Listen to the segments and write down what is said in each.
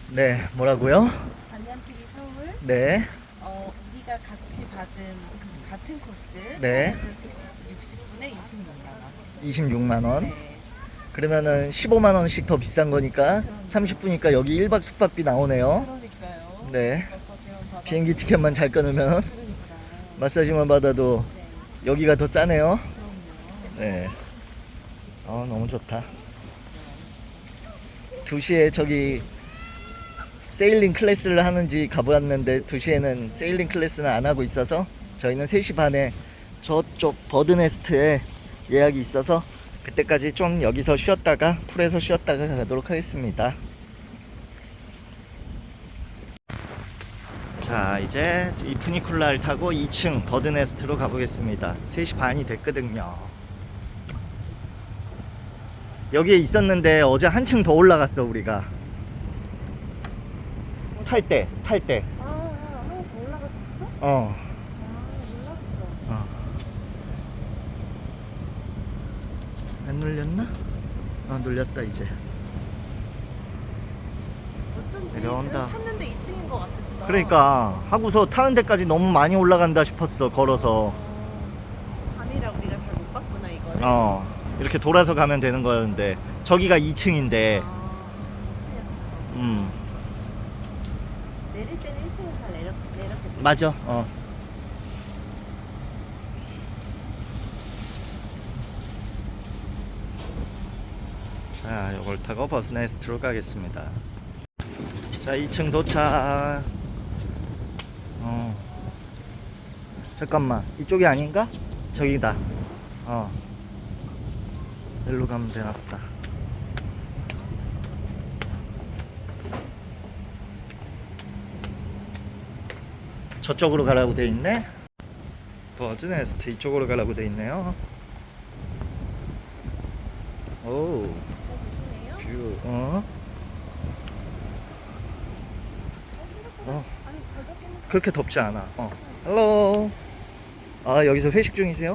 네, 뭐라고요? 반얀TV 서울. 네, 우리가 같이 받은 그 같은 코스, 네. 에센스 코스 60분에 26만 원. 26만 원. 네. 그러면은 15만 원씩 더 비싼 거니까 30분이니까 여기 1박 숙박비 나오네요. 그러니까요. 네. 마사지만 받아도. 비행기 티켓만 잘 끊으면 그러니까. 마사지만 받아도 네. 여기가 더 싸네요. 그럼요. 네. 너무 좋다. 2시에 저기 세일링 클래스를 하는지 가보았는데 2시에는 세일링 클래스는 안 하고 있어서 저희는 3시 반에 저쪽 버드네스트에 예약이 있어서 그때까지 좀 여기서 쉬었다가 풀에서 쉬었다가 가도록 하겠습니다. 자, 이제 이 푸니쿨라를 타고 2층 버드네스트로 가보겠습니다. 3시 반이 됐거든요. 여기에 있었는데 어제 한층 더 올라갔어 우리가. 탈 때. 하나 더 올라갔었어? 어. 몰랐어. 어. 안 눌렸나? 눌렸다 이제. 어쩐지 내려온다. 그냥 탔는데 2층인 것 같았어. 그러니까 하고서 타는 데까지 너무 많이 올라간다 싶었어 걸어서. 밤이라 우리가 잘 못 봤구나 이걸. 이렇게 돌아서 가면 되는 거였는데 저기가 2층인데. 2층이었어. 내릴 때는 1층에서 잘 내렸겠다. 맞아. 자, 이걸 타고 버스네스트로 가겠습니다. 자, 2층 도착. 잠깐만, 이쪽이 아닌가? 저기다. 일로 가면 되나 보다. 저쪽으로 가라고 돼 있네. 버즈네스트 이쪽으로 가라고 돼 있네요. 오, 조심해요. 뷰. 아니 바닥에는 그렇게 덥지 않아. 헬로. 여기서 회식 중이세요?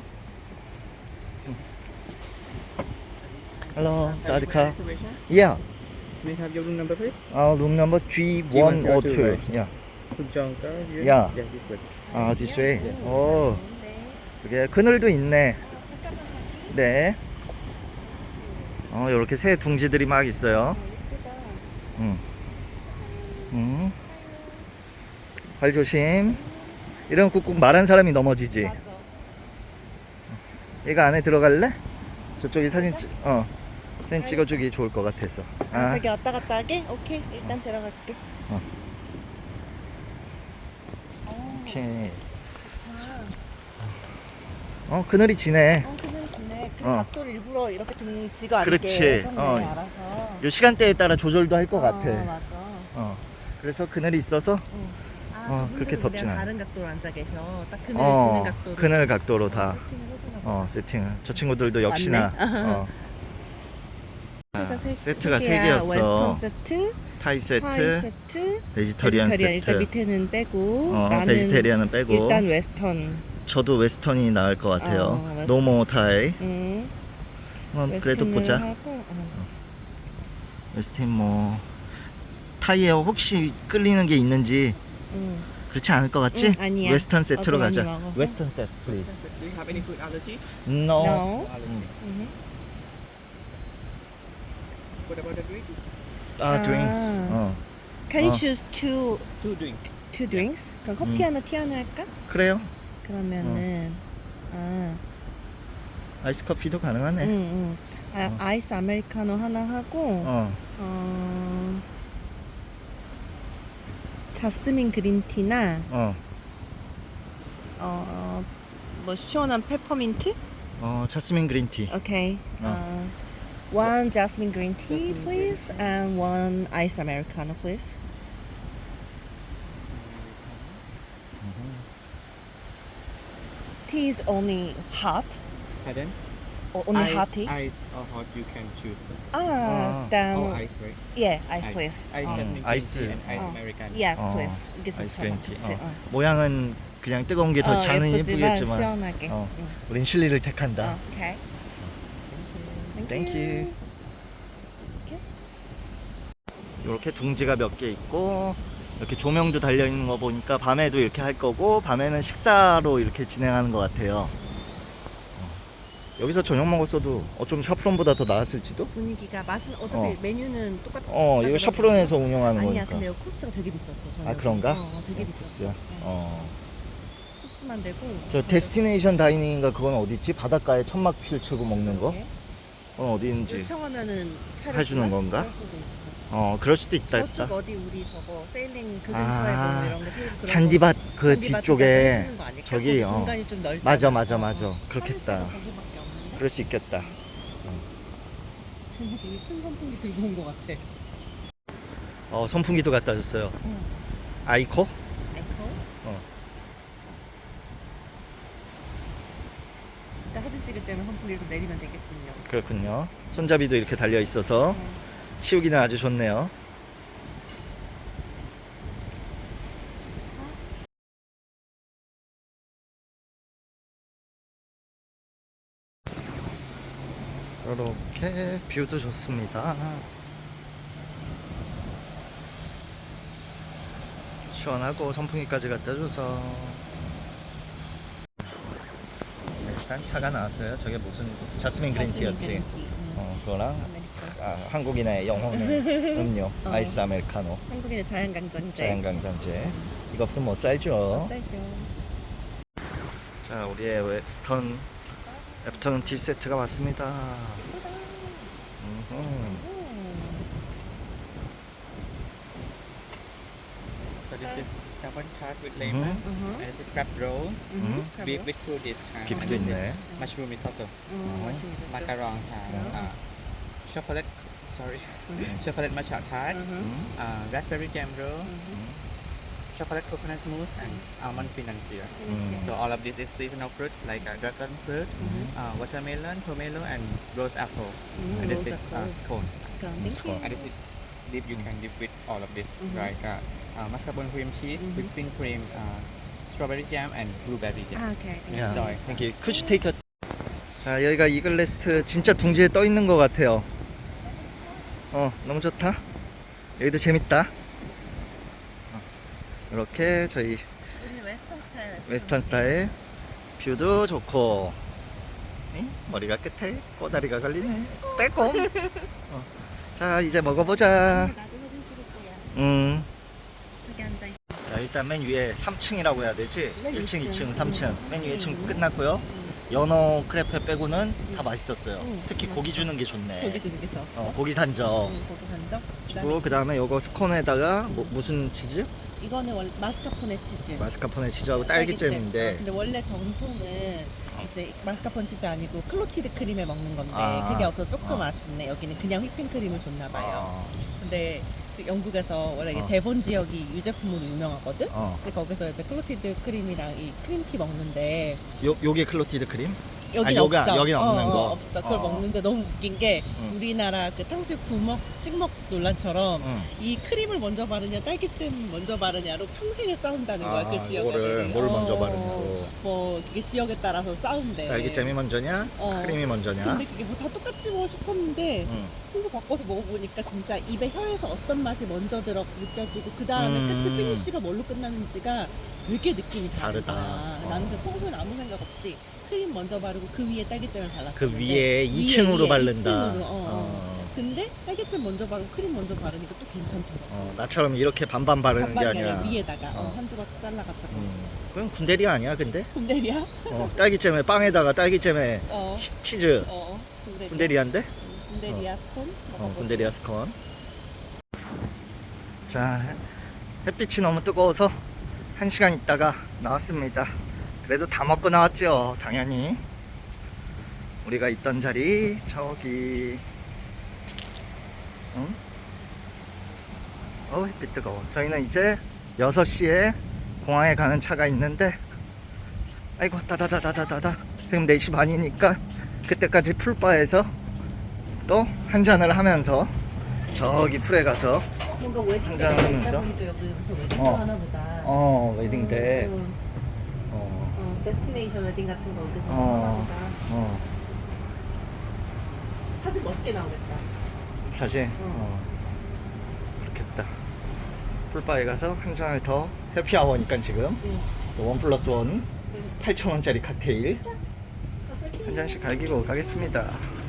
헬로, 사디카. Reservation? Yeah. May I have your room number, please? room number G102. Yeah. Pujangka here? Yeah. this way. this way. 오, 그게 그늘도 있네. 네. 요렇게 새 둥지들이 막 있어요. 발 조심. 이런 꾹꾹 말한 사람이 넘어지지. 맞아. 얘가 안에 들어갈래? 저쪽에 사진 찍어주기 좋을 것 같아서. 저기 왔다 갔다 하게? 오케이 일단 들어갈게. 오케이. 그늘이 지네. 그냥 좋네. 그 어. 각도를 일부러 이렇게 등지가 않게 그렇지. 해줬네, 어. 알아서. 요 시간대에 따라 조절도 할 것 같아. 맞아. 그래서 그늘이 있어서 저분들은 그렇게 덥진 우리랑 않아. 다른 각도로 앉아 계셔. 딱 그늘 지는 각도로. 그늘 각도로 다 세팅을 해주나 봐. 세팅을. 저 친구들도 역시나 세트가 세 개야. 개였어. 웨스턴 세트, 타이 세트, 파이 세트, 베지터리안 세트. 일단 밑에는 빼고 나는 베지테리안은 빼고. 일단 웨스턴. 저도 웨스턴이 나을 것 같아요. 웨스턴. 노모 타이. 그래도 웨스턴을 보자. 하고, 웨스턴 뭐 타이에 혹시 끌리는 게 있는지 그렇지 않을 것 같지? 아니야. 웨스턴 세트로 어제 가자. 많이 먹어서. 웨스턴 세트, please. Do you have any food allergy? No. No. What about the drinks? drinks. Can you 어. choose two Two drinks. drinks? 그럼 커피 하나, 티 하나 할까? 그래요. 그러면은 아이스 커피도 가능하네. 아이스 아메리카노 하나 하고 자스민 그린티나 뭐 시원한 페퍼민트? 자스민 그린티. 오케이. One jasmine green tea, please, and one ice americano, please. Tea is only hot, Pardon? or only ice, hot tea. Ice or hot, you can choose. Then Oh, ice, right? yeah, ice, please. Ice lemon green ice. tea and ice 어. americano. Yes, 어, please. 이게 아이스 좋잖아. 그린티. 그치? 모양은 그냥 뜨거운 게 더 잔은 예쁘지만 예쁘겠지만 시원하게. 우린 실리를 택한다. 오케이. Thank you. Okay. 이렇게 둥지가 몇 개 있고 이렇게 조명도 달려 있는 거 보니까 밤에도 이렇게 할 거고 밤에는 식사로 이렇게 진행하는 것 같아요. 여기서 저녁 먹었어도 어쩜 샤프론보다 더 나았을지도? 분위기가 맛은 어차피 어. 메뉴는 똑같. 이거 샤프론에서 운영하는 아니야, 거니까. 근데 여기 코스가 되게 비쌌어. 저녁에. 아, 그런가? 되게 비쌌어. 코스야? 코스만 되고. 저 데스티네이션 다이닝인가 그건 어디 있지? 바닷가에 천막 펼치고 먹는 거? 그건 어디 있는지 요청하면은 차를 해주는 주나? 건가? 그럴 수도 있어. 그럴 수도 있다 저쪽 했다. 어디 우리 저거 세일링 그 아, 근처에 뭐 이런 거 테이블 그런 잔디밭 거, 그 잔디밭 뒤쪽에 해주는 거 아닐까? 저기, 거기 공간이 좀 넓잖아. 맞아, 맞아, 어, 맞아. 어. 그렇겠다. 하늘 거기밖에 없는데? 그럴 수 있겠다. 쟤네 되게 큰 선풍기 들고 온 거 같아. 선풍기도 갖다 줬어요. 응. 아이코? 에코? 어. 이따 사진 찍을 때는 선풍기를 좀 내리면 되겠군요. 그렇군요. 손잡이도 이렇게 달려 있어서 치우기는 아주 좋네요. 이렇게 뷰도 좋습니다. 시원하고 선풍기까지 갖다 줘서 일단 차가 나왔어요. 저게 무슨 자스민 그린티였지? 그거랑 한국인의 영혼의 음료 아이스 아메리카노 한국인의 자연강장제. 자연강장제. 이거 없으면 못 살죠. 쌀죠. 자, 우리의 웨스턴 애프터눈 티 세트가 왔습니다. So this is salmon tart with lemon, and this is crab roll with two dish. 빅도 있네. Mushroom risotto, 맛있는 macaron, chocolate, sorry, chocolate matcha tart, raspberry jam roll, chocolate coconut mousse, and almond financier. So all of this is seasonal fruits like dragon fruit, watermelon, pomelo, and rose apple. And this is scone. And this is dip you can dip with all of this, like mascarpone cream cheese, whipping cream, strawberry jam, and blueberry jam. 아, 오케이. Enjoy. Thank you. Could you take a... 자, 여기가 이글레스트 진짜 둥지에 떠 있는 것 같아요. 너무 좋다. 여기도 재밌다. 이렇게 저희 우리는 웨스턴 스타일. 웨스턴 스타일 뷰도 좋고 머리가 끝에 꼬다리가 걸리네. 빼꼼. 자, 이제 먹어보자. 나도 사진 찍을 거야. 저기 앉아 있어. 자, 일단 맨 위에 3층이라고 해야 되지? 맨 1층, 위층. 2층, 3층. 맨 위에 1층 끝났고요. 연어 크레페 빼고는 다 맛있었어요. 특히 맞아. 고기 주는 게 좋네. 고기 주는 게 좋았어. 고기 산적. 고기 산적. 그리고 그 다음에 요거 스콘에다가 무슨 치즈? 이거는 원래 마스카포네 치즈. 마스카포네 치즈하고 딸기잼인데 근데 원래 정통은 이제 마스카포네 치즈 아니고 클로티드 크림에 먹는 건데 아. 그게 없어서 조금 아쉽네. 여기는 그냥 휘핑크림을 줬나 봐요. 근데 그 영국에서 원래 이게 대본 지역이 유제품으로 유명하거든. 근데 거기서 이제 클로티드 크림이랑 이 크림티 먹는데 요게 클로티드 크림? 여긴 요가, 없어. 여긴 없는 거. 없어. 그걸 먹는데 너무 웃긴 게 우리나라 그 탕수육 부먹 찍먹 논란처럼 이 크림을 먼저 바르냐 딸기잼 먼저 바르냐로 평생을 싸운다는 거야. 그 지역에. 뭘 먼저 바르냐고. 뭐 그게 지역에 따라서 싸운대. 딸기잼이 먼저냐? 크림이 먼저냐? 근데 그게 뭐 다 똑같지 뭐 싶었는데 순서 바꿔서 먹어보니까 진짜 입에 혀에서 어떤 맛이 먼저 느껴지고 그 다음에 끝이 피니쉬가 뭘로 끝나는지가 되게 느낌이 다르다. 다르다. 나는 그 평소에 아무 생각 없이 크림 먼저 바르고 그 위에 딸기잼을 발랐어. 그 위에 2층으로 바른다. 2층으로. 근데 딸기잼 먼저 바르고 크림 먼저 바르니까 또 괜찮더라고. 나처럼 이렇게 반반 바르는 게 반반이 아니라. 아니라 위에다가 한 조각 잘라가지고. 그건 군대리 아니야, 근데? 군대리야? 딸기잼에 빵에다가 딸기잼에 어. 치즈. 군대리야. 군대리한데? 군대리아 스콘? 군대리아 스콘. 자, 햇빛이 너무 뜨거워서 1시간 있다가 나왔습니다. 그래도 다 먹고 나왔죠, 당연히. 우리가 있던 자리 저기. 햇빛 뜨거워. 저희는 이제 6시에 공항에 가는 차가 있는데, 아이고 따다다다다다다. 지금 4시 반이니까 그때까지 풀바에서 또 한잔을 하면서 저기 풀에 가서 뭔가 웨딩 한잔 때가 하면서. 있다 보니까 여기서 웨딩 어. 하나 보다. 웨딩 때. 데스티네이션 웨딩 같은 거 어디서 어. 하나 보다. 사진 멋있게 나오겠다. 사실 어. 그렇게 풀바에 가서 한 잔을 더 해피아워니까 지금 1+1 8,000원짜리 칵테일 한 잔씩 갈기고 가겠습니다.